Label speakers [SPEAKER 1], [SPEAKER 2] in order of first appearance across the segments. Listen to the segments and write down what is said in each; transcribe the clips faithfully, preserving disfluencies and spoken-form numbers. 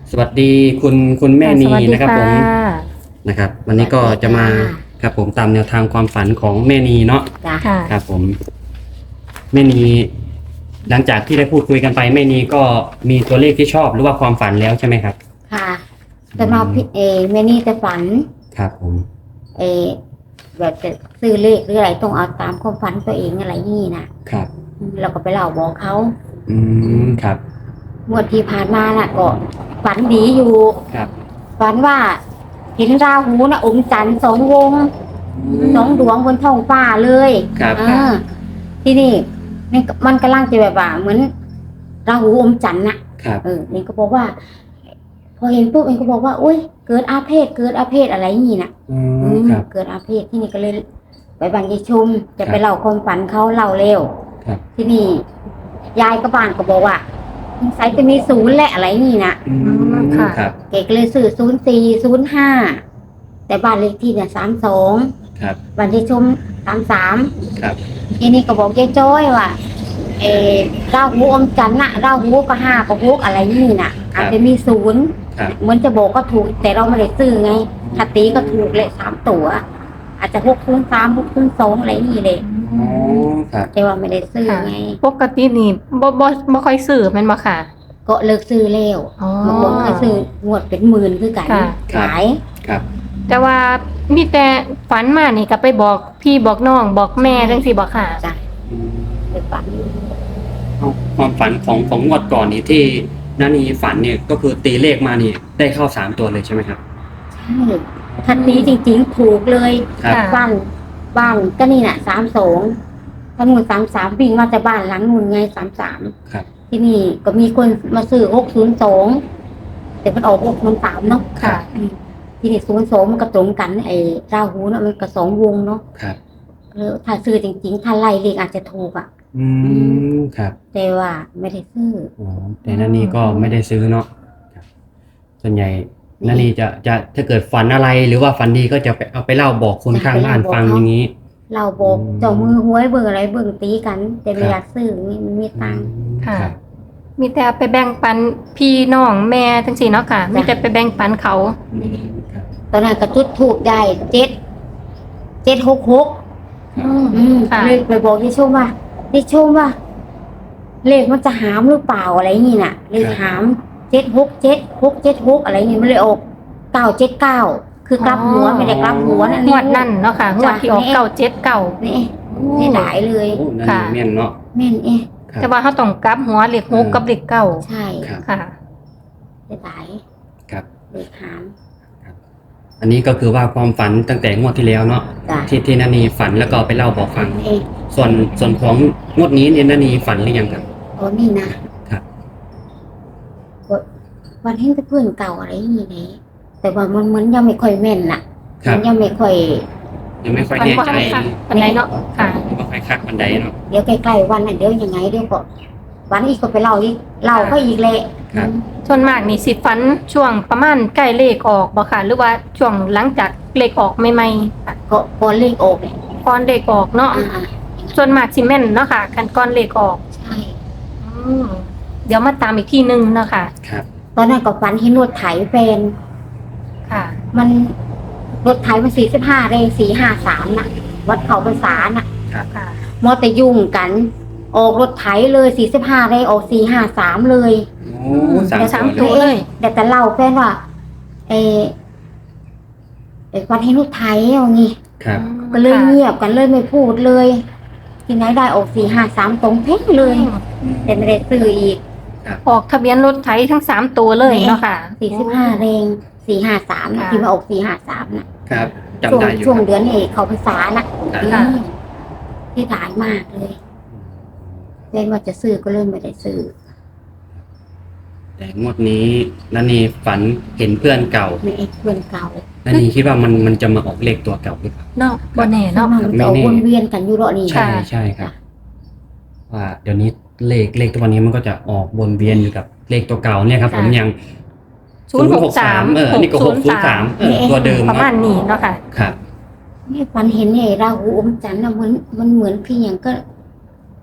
[SPEAKER 1] สวัสดีคุณคุณแม่นี
[SPEAKER 2] สวัสดี
[SPEAKER 1] นะครับผมนะครับวันนี้ก็จะมาครับผมตามแนวทางความฝันของแม่นีเนาะ
[SPEAKER 3] จ้ะ
[SPEAKER 2] ค่ะ
[SPEAKER 1] ครับผมแม่นีหลังจากที่ได้พูดคุยกันไปแม่นีก็มีตัวเลขที่ชอบหรือว่าความฝันแล้วใช่ไหมครับ
[SPEAKER 3] ค่ะแต่มาพี่เอแม่นี่จะฝัน
[SPEAKER 1] ครับผม
[SPEAKER 3] เอแบบจะซื้อเลขหรืออะไรต้องเอาตามความฝันตัวเองอะไรนี่นะครับ เราก็ไปเล่าบอกเขา
[SPEAKER 1] อืมครับ
[SPEAKER 3] งวดที่ผ่านมาน่ะก็ฝันดีอยู่
[SPEAKER 1] ครับ
[SPEAKER 3] ฝันว่าเห็นราหูนะอมจันทร์สองวงสองดวงบนท้องฟ้าเลย
[SPEAKER 1] ครับ
[SPEAKER 3] เออที่นี่มันมันกำลังจะแบบว่าเหมือนราหูอมจันทร์น่ะ
[SPEAKER 1] ครับ
[SPEAKER 3] เออเองก็บอกว่า พอเห็นปุ๊บเองก็บอกว่าอุ้ยเกิดอาเพศเกิดอาเพศอะไรอย่างนี้น่ะ
[SPEAKER 1] อื
[SPEAKER 3] อื
[SPEAKER 1] ม
[SPEAKER 3] ม
[SPEAKER 1] ครับ
[SPEAKER 3] เกิดอาเพศที่นี่ก็เลยไปบันยายชุมจะ
[SPEAKER 1] ครั
[SPEAKER 3] ไป
[SPEAKER 1] บ
[SPEAKER 3] เล่าความฝันเขาเล่าเร็ว
[SPEAKER 1] ครับ
[SPEAKER 3] ที่นี่ยายก็บ้านก็บอกว่าสงสัยจะมีศูนย์และอะไรนี่น่ะ
[SPEAKER 1] อืม
[SPEAKER 2] ค่ะ
[SPEAKER 1] ครับ
[SPEAKER 3] เกก็เลยซื้อศูนย์สี่ศูนย์ห้าแต่บ้านเลขที่เนี่ยสามสอง
[SPEAKER 1] ครับ
[SPEAKER 3] บันยายชุมสามสาม
[SPEAKER 1] ครับ
[SPEAKER 3] ทีนี้ก็บอกยายจ้อยว่าเออราหูอมจันทร์น่ะราหูก็ห้าก็หกอะไรนี่น่ะ อาจจะมีศูนย์
[SPEAKER 1] ครับ
[SPEAKER 3] เหมือนจะบอกก็ถูกแต่เราไม่ได้ซื้อไงถ้าตีก็ถูกเลยสามตัว อาจจะหกคูณสามหกคูณสองอะไรนี่เลย
[SPEAKER 1] อ๋อครับ
[SPEAKER 3] แต่ว่าไม่ได้ซื้อ
[SPEAKER 2] ค่ะ
[SPEAKER 3] ไง
[SPEAKER 2] ปกตินี่บ่บ่บ่ค่อยซื้อแม่นบ่ค่ะ
[SPEAKER 3] ก็เลิกซื้อแล้ว
[SPEAKER 2] อ๋อ
[SPEAKER 3] บางคนเคยซื้องวดเป็นหมื่นคือกัน
[SPEAKER 2] ค่ะ
[SPEAKER 3] ขาย
[SPEAKER 1] ครับ
[SPEAKER 2] แต่ว่ามีแต่ฝันมานี่ก็ไปบอกพี่บอกน้องบอกแม่จังซี่บ่ค่ะ
[SPEAKER 3] จ้ะ
[SPEAKER 1] อืม
[SPEAKER 3] ไปฝัน
[SPEAKER 1] เอาความฝันของของงวดก่อนนี่ที่นานีฝันเนี่ยก็คือตีเลขมานี่ได้เข้าสามตัวเลยใช่ไหมครับ
[SPEAKER 3] ใช่ทันนี้จริงๆถูกเลย
[SPEAKER 1] ครับ
[SPEAKER 2] ค่ะ
[SPEAKER 3] บ้านบ้านก็นี่น่ะสามสองทั้งหมดสามสามวิ่งมาจากบ้านหลังนู่นไงสามสาม
[SPEAKER 1] ครับ
[SPEAKER 3] ที่นี่ก็มีคนมาซื้อหกศูนย์สองแต่มันออกหกมันสามเนาะ
[SPEAKER 2] ค่ะ
[SPEAKER 3] อืมที่นี่ศูนย์สองมันก็ตรงกันไอ้ราหูเนาะมันก็สองวงเนาะ
[SPEAKER 1] ครับ
[SPEAKER 3] เออถ้าซื้อจริงๆ ถ้าไล่เลขอาจจะถูกอ่ะ
[SPEAKER 1] อืมครับ
[SPEAKER 3] แต่ว่าไม่ได้ซื้อ
[SPEAKER 1] อ๋อแต่นานีก็ไม่ได้ซื้อเนาะครับส่วนใหญ่นานีจะจะถ้าเกิดฝันอะไรหรือว่าฝันดีก็จะไปเอาไปเล่าบอกคนข้างบ้านฟังอย่างนี้
[SPEAKER 3] เราบอก
[SPEAKER 1] อืม
[SPEAKER 3] เจ้ามือหวยเบิ่งอะไรเบิ่งตีกัน แต่ไม่
[SPEAKER 1] ครับ
[SPEAKER 3] อยากซื้อนี่มันมีตังค์
[SPEAKER 1] อืม
[SPEAKER 2] ค่ะ
[SPEAKER 1] รับ
[SPEAKER 2] มีแต่ไปแบ่งปันพี่น้องแม่จังซี่เนาะค่ะ มีแต่ไปแบ่งปันเขา
[SPEAKER 1] อืมครับ
[SPEAKER 3] ตอนนั้นก็จุดถูกได้เจ็ดเจ็ดหกหก
[SPEAKER 2] อืม
[SPEAKER 3] อืม
[SPEAKER 2] ค่ะ
[SPEAKER 3] เลยไปบอกที่ชมว่าที่ชมว่า เลขมันจะหามหรือเปล่าอะไรอย่างนี้น่ะเลขหามเจ็ดหกเจ็ดหกเจ็ดหกอะไรอย่างนี้มันเลยออกเก้าเจ็ดเก้าคือกลับหัวไม่ได้กลับหัวนั่น
[SPEAKER 2] งวดนั่นเนาะค่ะงวดที่ออกเก้าเจ็ดเก้า
[SPEAKER 3] นี่นี่หลายเลย
[SPEAKER 1] โอ้นา
[SPEAKER 2] ค่ะ
[SPEAKER 1] นีแม่นเนาะ
[SPEAKER 3] แม่นเอ๊ะ
[SPEAKER 1] ครับ
[SPEAKER 2] แต่ว่าเขาต้องกลับหัวเลขหกกับเลขเก้า
[SPEAKER 3] ใช่
[SPEAKER 1] ครับ
[SPEAKER 2] ค่ะ
[SPEAKER 3] ได้หลาย
[SPEAKER 1] ครับ
[SPEAKER 3] เลขหาม
[SPEAKER 1] อันนี้ก็คือว่าความฝันตั้งแต่งวดที่แล้วเนาะ
[SPEAKER 3] จ้ะ
[SPEAKER 1] ที่ที่นานีฝันแล้วก็เอาไปเล่าบอกฟัง
[SPEAKER 3] เอ๊ะ
[SPEAKER 1] ส่วนส่วนของงวดนี้เนี่ยนานีฝันหรือยังครับ
[SPEAKER 3] โอ้นี่นะครับ วันเห็นแต่เพื่อนเก่าอะไรอย่างนี้นะแต่ว่ามันมันยังไม่ค่อยแม่นน่ะ
[SPEAKER 1] ครับ
[SPEAKER 3] มันยังไม่ค่อย
[SPEAKER 1] ยังไม่ค่อย
[SPEAKER 2] ฝัน
[SPEAKER 1] แน่
[SPEAKER 2] ว่า
[SPEAKER 1] ใจ
[SPEAKER 2] ให้ค่ะปันไหนเนาะค่ะ
[SPEAKER 1] ยังไม่ค่อยคักบันไดเนาะ
[SPEAKER 3] เดี๋ยวใกล้ๆวันน่ะเดี๋ยวยังไงเดี๋ยวก็วันอีกก็ไปเล่าอีกเล่าก็อีกแหละ
[SPEAKER 1] ครับ
[SPEAKER 2] ส่วนมากนี่สิฝันช่วงประมาณใกล้เลขออกบ่ค่ะ หรือว่าช่วงหลังจากเลขออกใหม่ๆค่ะ
[SPEAKER 3] ก็ก่อนเลขออกเนี่ย
[SPEAKER 2] ก่อนเลขออกเนาะ
[SPEAKER 3] อ่า
[SPEAKER 2] ส่วนมากสิแม่นเนาะค่ะกันก่อนเลขออก
[SPEAKER 3] ๆใช่
[SPEAKER 2] อืมเดี๋ยวมาตามอีกทีหนึงเนาะค่ะ
[SPEAKER 1] ครับ
[SPEAKER 3] ตอนนั้นก็ฝันเห็นรถไถแฟน
[SPEAKER 2] ค่ะ
[SPEAKER 3] มันรถไถมันสี่สิบห้าเลยสี่ห้าสามน่ะ วัดเขาภาษาน่ะ
[SPEAKER 2] ค่ะ
[SPEAKER 3] มอแต่ยุ่งกัน ออกรถไถเลยสี่สิบห้าเลยออกสี่ห้าสามเลย
[SPEAKER 1] โอ้สาม
[SPEAKER 2] เดี๋ยวสาม
[SPEAKER 1] ตัว
[SPEAKER 2] ตัว
[SPEAKER 1] เลย
[SPEAKER 2] เลย
[SPEAKER 3] แต่แต่เล่าแฟนว่าเออเออวันเห็นรถไถเอางี้
[SPEAKER 1] ครับ
[SPEAKER 3] ก็เลยเงียบกันเลยไม่พูดเลย ที่ไหนได้ออกสี่ห้าสามตรงเพ่งเลย แต่ไม่ได้ซื้ออีก
[SPEAKER 2] ออกทะเบียนรถไถทั้งสามตัวเลยเนาะค่ะ
[SPEAKER 3] สี่สิบห้าเรงสี่ห้าสาม
[SPEAKER 2] ค่ะ
[SPEAKER 3] ที่มาออกสี่ห้าสามน่ะ
[SPEAKER 1] ครับจำ
[SPEAKER 3] ช่วง
[SPEAKER 1] ได้อยู่
[SPEAKER 3] ช่วง
[SPEAKER 1] ครับ
[SPEAKER 3] เดือนเอกเขาภาษาน่ะ
[SPEAKER 1] ครับ
[SPEAKER 2] ค่ะ
[SPEAKER 3] อืมที่ถ่ายมากเลยเล่นว่าจะซื้อก็เริ่มไม่ได้ซื้อ
[SPEAKER 1] แต่งวดนี้นานีฝันเห็นเพื่อนเก่า
[SPEAKER 3] ไม่เอกเพื่อนเก่า
[SPEAKER 1] นานีคิดว่ามันมันจะมาออกเลขตัวเก่าหรือเปล่า
[SPEAKER 2] เนาะบ่แน่
[SPEAKER 3] เนาะ
[SPEAKER 2] เนาะ
[SPEAKER 3] มันจะเอาวนเวียนกันอยู่รอนี่
[SPEAKER 1] ใช่ใช่ครับ ว่าเดี๋ยวนี้เลขเลขตัวนี้มันก็จะออกวนเวียนอยู่กับเลขตัวเก่าเนี่ยครับผมอย่าง
[SPEAKER 2] ศูนย์หกสาม
[SPEAKER 1] เออนี่ก็หกศูนย์สามเออตัวเดิม
[SPEAKER 2] ประ
[SPEAKER 1] เนาะ
[SPEAKER 2] มาณนี้เนาะค่ะ
[SPEAKER 1] ครับ
[SPEAKER 3] นี่ฝันเห็นเนี่ยราหูอมจันทร์น่ะมันมันเหมือนพี่อย่างก็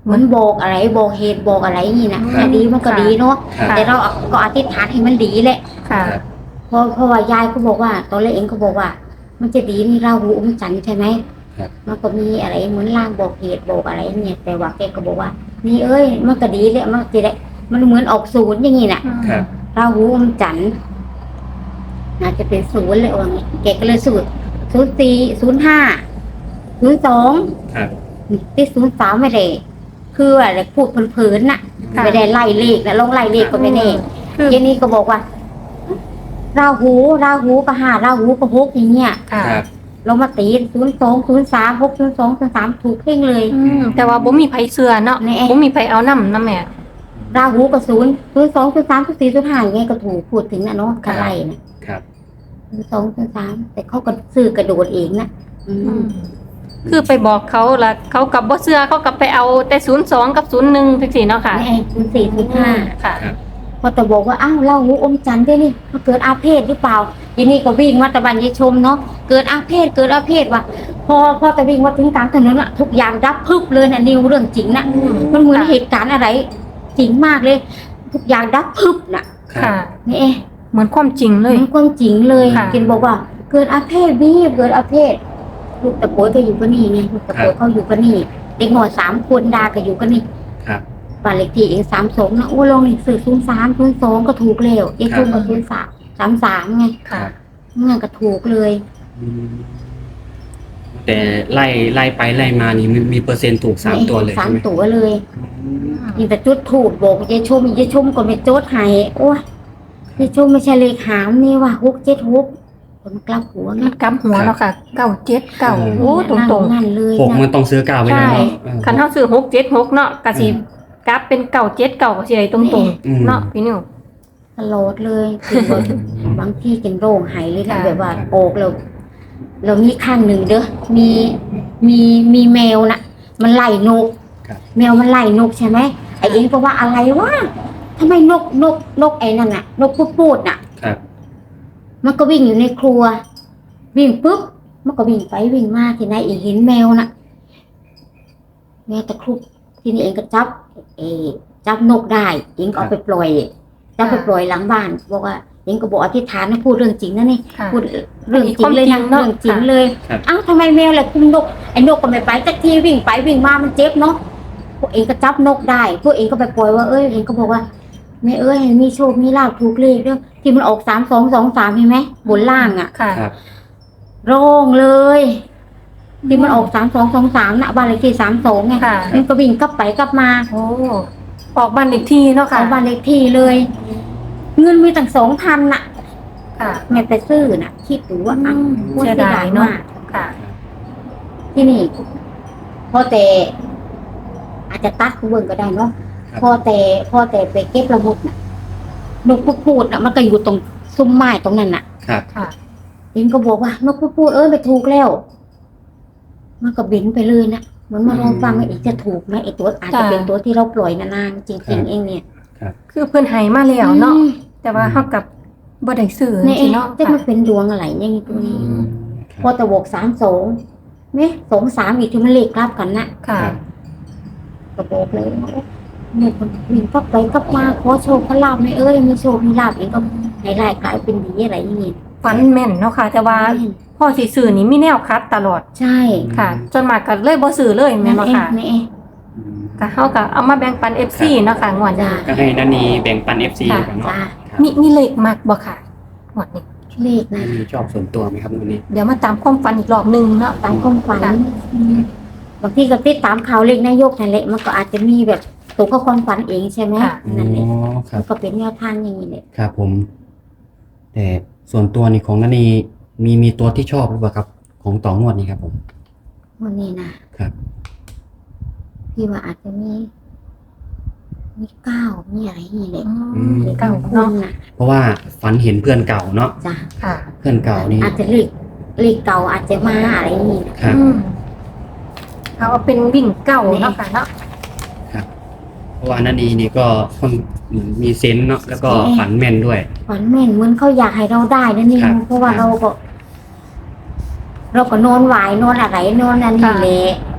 [SPEAKER 3] เหมือนบอกอะไรบอกเหตุบอกอะไรนี่นะ
[SPEAKER 1] ครับ
[SPEAKER 3] ดีมันก็ดีเนาะ
[SPEAKER 1] ครับ
[SPEAKER 3] แต่เราก็อธิษฐานให้มันดีแหละ
[SPEAKER 2] ค่ะ
[SPEAKER 1] ครับ
[SPEAKER 3] เพราะเพราะว่ายายก็บอกว่าตอนแรกเองก็บอกว่า มันจะดีนี่ราหูอมจันทร์ใช่ไหม
[SPEAKER 1] ครับ
[SPEAKER 3] มันก็มีอะไรเหมือนล่างบอกเหตุบอกอะไรเนี่ยแต่ว่าแกก็บอกว่า นี่เอ้ยมันก็ดีแหละมันจะได้มันเหมือนออกศูนย์อย่างนี้น่ะ
[SPEAKER 1] ครับ
[SPEAKER 3] ราหูอมจันทร์น่าจะเป็นศูนย์เลยว่างี้แกก็เลยสูตรศูนย์สี่ศูนย์ห้าศูนย์สอง
[SPEAKER 1] ครับ
[SPEAKER 3] ที่ศูนย์สามไม่ได้คืออะไรพูดเพลินๆน่ะ
[SPEAKER 2] ค่ะ
[SPEAKER 3] ไม่ได้ไล่เลขนะลองไล่เลขก็ไม่แน่
[SPEAKER 2] คือ
[SPEAKER 3] เจนี่ก็บอกว่า ราหูราหูก็ห้าราหูก็หกอย่างเงี้ย
[SPEAKER 2] ค่ะ
[SPEAKER 1] ครับ
[SPEAKER 3] เรามาตีศูนย์สองศูนย์สามหกศูนย์สองศูนย์สามถูกเพ่งเลย
[SPEAKER 2] อืมแต่ว่าบ่มีไผเชื่อเนาะ
[SPEAKER 3] แน่
[SPEAKER 2] บ่มีไผเอานำนำแม่
[SPEAKER 3] ราหูก็ศูนย์ศูนย์สองศูนย์สามศูนย์สี่ศูนย์ห้าอย่างเงี้ยก็ถูกพูดถึงนะเนาะกระไรนะครับ ศูนย์สองศูนย์สามแต่เขาก็ซื้อกระโดดเองนะอืม
[SPEAKER 2] คือไปบอกเขาแล้วเขากับบ่เชื่อเขากับไปเอาแต่ศูนย์สองกับศูนย์หนึ่งจังซี่เนาะค่ะ
[SPEAKER 3] นี่ไอ้ศูนย์สี่ศูนย์ห้า
[SPEAKER 2] ค่ะ
[SPEAKER 3] พอแต่บอกว่าอ้าวราหูอมจันทร์ด้วยนี่มันเกิดอาเพศหรือเปล่ายีนี่ก็วิ่งมาตะบันยายชมเนาะเกิดอาเพศเกิดอาเพศว่ะพอพอแต่วิ่งมาถึงกลางถนนอะทุกอย่างดับพึบเลยนะนิวเรื่องจริงนะ
[SPEAKER 2] อืม
[SPEAKER 3] มันเหมือนเหตุการณ์อะไรจริงมากเลย ทุกอย่างดับพึบน่ะ
[SPEAKER 2] ค่ะ
[SPEAKER 3] นี่เอ๊ะ
[SPEAKER 2] เหมือนความจริงเลย
[SPEAKER 3] มันความจริงเลย
[SPEAKER 2] ค่ะ
[SPEAKER 3] กินบอกว่า เกิดอาเพศบี้เกิดอาเพศลูกตะโกยก็อยู่กันนี่ไงลูกตะโกยเขาอยู่กันนี่เด็กหน่อยสามคนดาก็อยู่กันนี่
[SPEAKER 1] ครับ
[SPEAKER 3] บ้านเลขที่เองสามสองนะโอ้ลองหนังสือศูนย์สามศูนย์สองก็ถูกแล้วเอ็กซ์ก็ศูนย์สามสามสามไง
[SPEAKER 2] ค่ะ
[SPEAKER 3] งั้นก็ถูกเลย
[SPEAKER 1] อืมแต่ไล่ไล่ไปไล่มานี่มีมีเปอร์เซ็นต์ถูกสามตัวเลย
[SPEAKER 3] สา
[SPEAKER 1] ใช่
[SPEAKER 3] ม
[SPEAKER 1] ไหม
[SPEAKER 3] ตัวเลย
[SPEAKER 1] อืม
[SPEAKER 3] นี่แต่จุดถูกบอกยายชมยายชมก็ไม่โจทย์ให้โอ้ยยายชมไม่ใช่เลขหามนี่ว่ะหกเจ็ดหกผมกลับหัวไง
[SPEAKER 2] มันกำหัวเนาะค่ะเก้าเจ็ดเก้าโอ้ตรงๆ
[SPEAKER 3] นั่นเลย
[SPEAKER 1] หกมัน
[SPEAKER 3] นะ
[SPEAKER 1] ต้องซื้อเก้าไว้
[SPEAKER 2] ใช่
[SPEAKER 1] แล้วเนาะเออ
[SPEAKER 2] คันเฮาซื้อหกเจ็ดหกเนาะก็สิกลับเป็นเก้าเจ็ดเก้าก็สิได้ตรง
[SPEAKER 1] อืม
[SPEAKER 2] ๆเนาะพี่นิว
[SPEAKER 3] ตลอดเลยคือว่าบางที่กินโร่งหายเลยนะ
[SPEAKER 2] ค่ะ
[SPEAKER 3] แบบว่าโอกเราเรามีข้างหนึ่งเด้อมีมีมีแมวน่ะ มันไล่นก
[SPEAKER 1] ครับ
[SPEAKER 3] แมวมันไล่นกใช่ไหมไอ้เองก็ว่าอะไรวะทำไมนกนกนกไอ้นั่นน่ะ นกพูดพูดน่ะ
[SPEAKER 1] ครับ
[SPEAKER 3] มันก็วิ่งอยู่ในครัว วิ่งปุ๊บมันก็วิ่งไปวิ่งมาทีไหนเองเห็นแมวน่ะแมวตะครุบทีนี้เองก็จับ เออจับนกได้เองก็เอาไปปล่อยจับไปปล่อยหลังบ้านบอกว่าเองก็บอกอธิษฐานนะพูดเรื่องจริงนะนี่
[SPEAKER 2] ค่ะ
[SPEAKER 3] พูดเรื่องจริงเลยนะ
[SPEAKER 2] ความจริงเนอะ
[SPEAKER 3] เรื่องจริงเลย
[SPEAKER 1] ครับ
[SPEAKER 3] อ้าวทำไมแมวล่ะคุมนกไอ้นกก็ไม่ไปสักทีวิ่งไปวิ่งมามันเจ็บเนาะพวกเองก็จับนกได้พวกเองก็ไปปล่อยว่าเอ้ยเองก็บอกว่าแม่เอ้ยให้มีโชคมีลาภถูกเลขด้วยที่มันออกสามสองสองสามเห็นไหมบนล่างอ่ะ
[SPEAKER 2] ค่ะ
[SPEAKER 1] ครับ
[SPEAKER 3] โร่งเลย ที่มันออกสามสองสองสามนะบ้านเลขที่สามสองไง
[SPEAKER 2] ค่ะ
[SPEAKER 3] มันก็วิ่งกลับไปกลับมา
[SPEAKER 2] โอ้ออกบ้านเลขที่เนาะค่ะ
[SPEAKER 3] เอาบ้านเลขที่เลย เงินมีตั้งสองพันน่ะ
[SPEAKER 2] ค่ะ
[SPEAKER 3] แม่ไปซื้อน่ะ คิดดูว่า
[SPEAKER 2] อืม
[SPEAKER 3] อ่ะ
[SPEAKER 2] เสียดายเนอะ
[SPEAKER 3] มาก
[SPEAKER 2] ค่ะ
[SPEAKER 3] ที่นี่พอแต่ อาจจะตัดคุณเบิ่งก็ได้เนาะ
[SPEAKER 1] ครับ
[SPEAKER 3] พอแต่พอแต่ไปเก็บละมุดน่ะนกพูดพูดน่ะมันก็อยู่ตรงซุ้มไม้ตรงนั้นน่ะ
[SPEAKER 1] ครับ
[SPEAKER 2] ค่ะ
[SPEAKER 3] เองก็บอกว่านกพูดพูดเออไปถูกแล้ว มันก็บินไปเลยนะเหมือนมาลองฟังว่าอีกจะถูกไหมไอตัวอาจจะ
[SPEAKER 2] จ้ะ
[SPEAKER 3] เป็นตัวที่เราปล่อยนานๆจริงๆเองเนี่ย
[SPEAKER 2] คือเพิ่นให้มาแล้วเนาะ
[SPEAKER 3] อืม
[SPEAKER 2] แต่ว่าเฮากับบ่ได้ซื้อ
[SPEAKER 3] เนี่ย
[SPEAKER 2] จริงๆเนาะ
[SPEAKER 3] จะ
[SPEAKER 2] ค่ะ
[SPEAKER 3] มาเป็นดวงอะไรอย่างนี้ตัวนี้
[SPEAKER 2] อืม
[SPEAKER 3] พอตะบกสามสองเนี่ยสองสามอีกที่มันเลขกลับกันนะ
[SPEAKER 2] ค่ะ
[SPEAKER 1] ครับ
[SPEAKER 3] กระบอกเลยว่าเนี่ยคนวิ่งกลับไปกลับมาขอโชคขอลาบไม่เอ้ยมีโชคมีลาบเองก็ให้รายกลายเป็นดีอะไรอย่างนี้
[SPEAKER 2] ฝันแม่นเนาะค่ะ แต่ว่าพ่อสิซื้อนี่มีแนวคัดตลอด
[SPEAKER 3] ใช่
[SPEAKER 2] ค่ะจนมากก็เลยบ่ซื้อเลยแม่นบ่
[SPEAKER 3] เอง
[SPEAKER 2] ค่ะ
[SPEAKER 3] นี่เอง
[SPEAKER 1] อืม
[SPEAKER 2] ก็เฮาก็เอามาแบ่งปัน เอฟ ซี เนาะค่ะงวดนี้
[SPEAKER 3] จ้า
[SPEAKER 1] ก็ให้นันนีแบ่งปัน เอฟ ซี
[SPEAKER 2] ค่ะ
[SPEAKER 1] กันเนาะ
[SPEAKER 3] จ้า
[SPEAKER 1] ครับ
[SPEAKER 2] มีมีเลขมักบ่ค่ะงวดนี้
[SPEAKER 3] เลขนะ
[SPEAKER 1] มีชอบส่วนตัวไหมครับวันนี้
[SPEAKER 2] เดี๋ยวมาตามความฝันอีกรอบหนึงเนาะ
[SPEAKER 3] ตามความฝัน
[SPEAKER 2] ค่ะ
[SPEAKER 3] อืมบางทีก็ติดตามข่าวเลขนายกนั่นแหละมันก็อาจจะมีแบบตัวเข้าความฝันเองใช่ไหม
[SPEAKER 2] ค่ะ
[SPEAKER 3] นั่นแหละ
[SPEAKER 1] อ๋อครั
[SPEAKER 3] มั
[SPEAKER 1] บ
[SPEAKER 3] นก็เป็นแนวทางอย่างนี้แหละ
[SPEAKER 1] ครับผม แต่ส่วนตัวนี่ของนันนีมีมีตัวที่ชอบหรือเปล่าครับ ของต่องวดนี้ครับผม
[SPEAKER 3] วันนี้นะครับ พี่ว่าอาจจะมีมีเก้ามีอะไรอย่างนี้แหละ
[SPEAKER 2] อืม
[SPEAKER 3] เลข
[SPEAKER 2] เก่า
[SPEAKER 3] คุณ
[SPEAKER 2] เนาะ
[SPEAKER 3] นะ
[SPEAKER 1] เพราะว่าฝันเห็นเพื่อนเก่าเนาะ
[SPEAKER 3] จ้ะ
[SPEAKER 2] ค่ะ
[SPEAKER 1] เพื่อนเก่านี่
[SPEAKER 3] อาจจะเลขเลขเก่าอาจจะมาอะไรอย่างนี้นะครับ
[SPEAKER 2] อืมเอาเป็นวิ่งเก่าเนาะค่ะเนาะ
[SPEAKER 1] เพราะว่านันนีนี่ก็ค่อนมีเซนส์เนาะแล้วก็ฝันแม่นด้วย
[SPEAKER 3] ฝันแม่นเหมือนเขาอยากให้เราได้นั่นนี่
[SPEAKER 1] ครับ
[SPEAKER 3] เพราะว่า
[SPEAKER 1] ครับ
[SPEAKER 3] เราก็ เราก็นอนไหวายนอนอะไรนอนนั่นนี่แหละ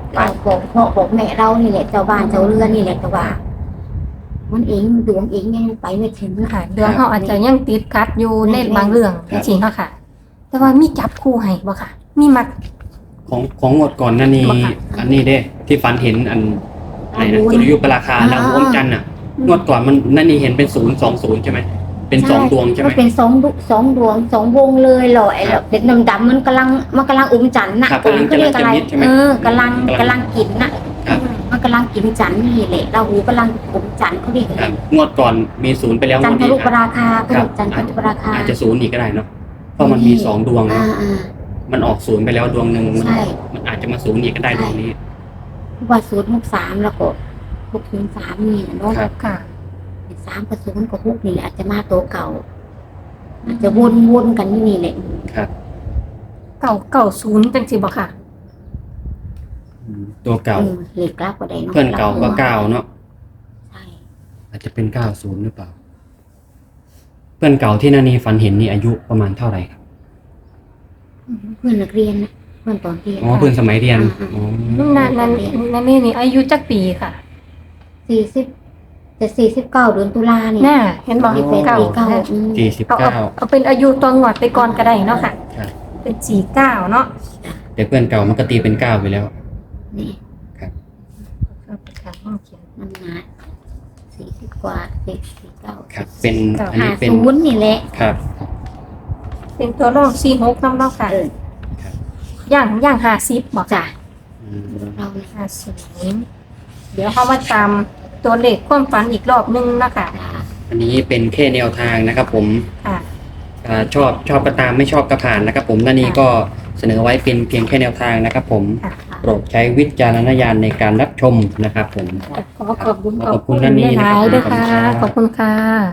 [SPEAKER 3] เราบอกพ่อบอกแม่เรานี่แหละเจ้าบ้านเจ้าเรือนนี่แหละแต่ว่า มันเองดวงเองยังไปไม่ถึง
[SPEAKER 2] ค่ะเรื่องเขาอาจจะยังติดขัดอยู่ในบางเรื่องจริงๆเนาะค่ะ แต่ว่ามีจับคู่ให้บ่ค่ะ มีมัก
[SPEAKER 1] ของของงวดก่อนนั่นนี่
[SPEAKER 2] บ่ค่ะ
[SPEAKER 1] อันนี้เด้ ที่ฝันเห็นอันไหนนะสุริยุปราคาแล้วอมจันทร์อ่ะงวดก่อนมันนั่นนี่เห็นเป็นศูนย์สองศูนย์ใช่ไหมเป็นสองดวงใช่ไหม
[SPEAKER 3] มันเป็นสองดวงสองดวงสองวงเลยหล่อไอ้
[SPEAKER 1] ครับ
[SPEAKER 3] เด็กดำๆมันกำลังมันกำลังอุ้มจันทร์น่ะ
[SPEAKER 1] ครับ
[SPEAKER 3] ผมก็เรียกอะไร
[SPEAKER 1] กำลังจะมิดใช่ไหม
[SPEAKER 3] เออกำลังกำลังกินน่ะ
[SPEAKER 1] ครับ
[SPEAKER 3] มันกำลังกินจันทร์นี่แหละเราหูกำลังอุ้มจันทร์เขาเรียกอะไร
[SPEAKER 1] ครับงวดก่อนมีศูนย์ไปแล้วง
[SPEAKER 3] จัน
[SPEAKER 1] วด
[SPEAKER 3] ท
[SPEAKER 1] นี้
[SPEAKER 3] รุป
[SPEAKER 1] อ่ะ
[SPEAKER 3] ราคาเขา
[SPEAKER 1] ครั
[SPEAKER 3] เรี
[SPEAKER 1] บ
[SPEAKER 3] ยกจันทรุปราคา
[SPEAKER 1] อาจจะศูนย์อีกก็ได้เนาะเพราะมันมีสองดวง
[SPEAKER 3] อ่า
[SPEAKER 1] เนาะ
[SPEAKER 3] อ่า
[SPEAKER 1] มันออกศูนย์ไปแล้วดวงหนึ่งมัน
[SPEAKER 3] ใช่
[SPEAKER 1] มันอาจจะมาศูนย์อีกก็ได้ดวงนี้
[SPEAKER 3] ว่าศูนย์หกสามแล้วก็หกถึงสามนี่นะเนาะ
[SPEAKER 1] ครับ
[SPEAKER 2] ค่ะ
[SPEAKER 3] สามกับศูนย์กับหกนี่แหละอาจจะมาตัวเก่า อาจจะวนวนๆกันอยู่นี่แหละ
[SPEAKER 1] ครับ
[SPEAKER 2] เก่าเก่าศูนย์จังสิบ่ค่ะ
[SPEAKER 1] อืมตัวเก่า
[SPEAKER 3] เออเลขกลับก็ได้เนาะ
[SPEAKER 1] เพื่อนเก่าก็เก้าเนาะ
[SPEAKER 3] ใช่
[SPEAKER 1] อาจจะเป็นเก้าศูนย์หรือเปล่า เพื่อนเก่าที่นานีฝันเห็นนี่อายุประมาณเท่าไหร่ครับ
[SPEAKER 3] เพื่อนนักเรียนนะเพื่อนตอนเรียน
[SPEAKER 1] อ๋อเพื่อนสมัยเรียน
[SPEAKER 3] อ่า
[SPEAKER 1] อ๋อ
[SPEAKER 2] นั่นนั่นนั่นนี่นี่อายุจักปีค่ะ
[SPEAKER 3] สี่สิบจะสี่สิบเก้าเดือนตุลาเนี่ย
[SPEAKER 2] น่าเห็นบอก
[SPEAKER 3] สี่เป็น
[SPEAKER 2] เก่า
[SPEAKER 3] สี่เก้าอืม
[SPEAKER 1] สี่สิบ
[SPEAKER 2] เอาเอา
[SPEAKER 1] เก้า
[SPEAKER 2] เอาเป็นอายุตัวงวดไปก่อนก็ได้เนาะค่ะ
[SPEAKER 1] ครับ
[SPEAKER 2] เป็นสี่เก้าเนาะ
[SPEAKER 1] แต่เพื่อนเก่ามันก็ตีเป็นเก้าไปแล้ว
[SPEAKER 3] นี่
[SPEAKER 2] เอาไปค่ะห้องเขียน
[SPEAKER 3] มันหนาสี่สิบกว่าสี่สี่เก้า
[SPEAKER 1] ครับ เป็น
[SPEAKER 2] เก้า
[SPEAKER 1] อัน
[SPEAKER 3] ห้า
[SPEAKER 1] นี้เป็น
[SPEAKER 3] ศูนย์นี่แหละ
[SPEAKER 1] ครับ
[SPEAKER 2] เป็นตัวรองสี่หกน้ำเนาะค่ะ
[SPEAKER 3] เออ
[SPEAKER 2] ย่างย่างห้าสิบบอก
[SPEAKER 3] จ้ะ
[SPEAKER 1] อืม
[SPEAKER 3] เราเนี่ย
[SPEAKER 2] ห้าศูนย์เดี๋ยวเขามาตามตัวเลขความฝันอีกรอบนึงนะคะ
[SPEAKER 3] จ้ะ
[SPEAKER 1] อันนี้เป็นแค่แนวทางนะครับผม
[SPEAKER 2] ค่ะ
[SPEAKER 1] อ่าชอบชอบก็ตามไม่ชอบก็ผ่านนะครับผมนานีก็เสนอไว้เป็นเพียงแค่แนวทางนะครับผม
[SPEAKER 2] ค่ะ
[SPEAKER 1] โปรดใช้วิจารณญาณในการรับชมนะครับผม
[SPEAKER 2] ขอขอบคุณ
[SPEAKER 1] ขอบคุณท่านนี้
[SPEAKER 2] ห
[SPEAKER 1] นะ
[SPEAKER 2] ลา
[SPEAKER 1] ครับ
[SPEAKER 2] ยๆด้วยค่ะ
[SPEAKER 1] ข
[SPEAKER 2] ข
[SPEAKER 1] อ
[SPEAKER 2] อ
[SPEAKER 1] บบ คุ
[SPEAKER 2] คุณ ณ
[SPEAKER 1] ครั
[SPEAKER 2] ค่ะ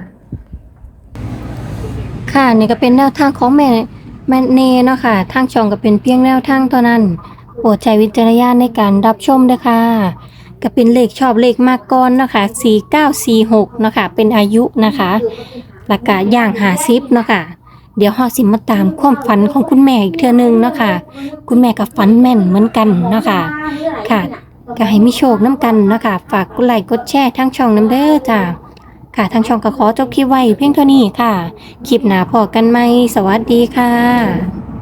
[SPEAKER 1] บ
[SPEAKER 2] ค่ะนี่ก็เป็นแนวทางของแม่แม่เนเนาะค่ะทางช่องก็เป็นเพียงแนวทางเท่านั้นโปรดใช้วิจารณญาณในการรับชมด้วยค่ะก็เป็นเลขชอบเลขมากก่อนเนาะค่ะสี่เก้าสี่หกเนาะค่ะเป็นอายุนะคะแล้วก็ย่างห้าสิบเนาะค่ะเดี๋ยวเฮาสิมาตามความฝันของคุณแม่อีกเทื่อนึงเนาะค่ะคุณแม่ก็ฝันแม่นเหมือนกันเนาะค่ะค่ะก็ให้มีโชคน้ำกันเนาะค่ะฝากกดไลค์กดแชร์ทั้งช่องน้ำเด้อจ้าค่ะทางช่องก็ขอจบคลิปไว้เพียงเท่านี้ค่ะ คลิปหน้าพอกันไหม สวัสดีค่ะ